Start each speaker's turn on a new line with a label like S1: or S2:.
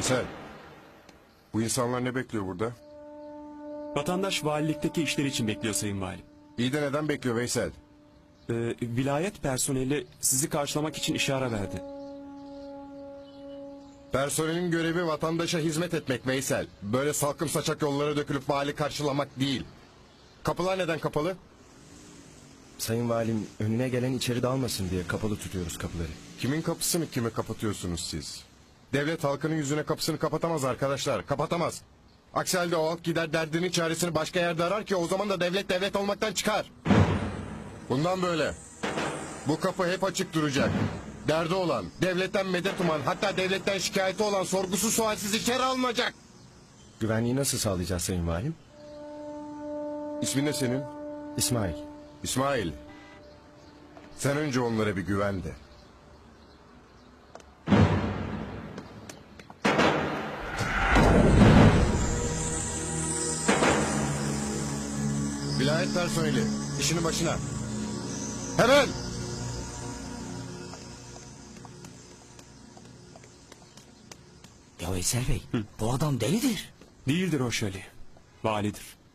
S1: Veysel, bu insanlar ne bekliyor burada?
S2: Vatandaş valilikteki işleri için bekliyor Sayın Valim.
S1: İyi de neden bekliyor Veysel?
S2: Vilayet personeli sizi karşılamak için işare verdi.
S1: Personelin görevi vatandaşa hizmet etmek Veysel. Böyle salkım saçak yollara dökülüp vali karşılamak değil. Kapılar neden kapalı?
S3: Sayın Valim, önüne gelen içeri dalmasın diye kapalı tutuyoruz kapıları.
S1: Kimin kapısını kime kapatıyorsunuz siz? Devlet halkının yüzüne kapısını kapatamaz arkadaşlar. Kapatamaz. Aksi halde o halk gider derdinin çaresini başka yerde arar ki o zaman da devlet devlet olmaktan çıkar. Bundan böyle. Bu kapı hep açık duracak. Derdi olan, devletten medet uman, hatta devletten şikayeti olan sorgusu sualsiz içeri alınacak.
S3: Güvenliği nasıl sağlayacağız Sayın Valim?
S1: İsmin ne senin?
S3: İsmail.
S1: İsmail. Sen önce onlara bir güven de. Vilayet personeli, işinin başına. Hemen!
S4: Ya Veysel Bey, bu adam delidir.
S2: Değildir o şöyle. Validir.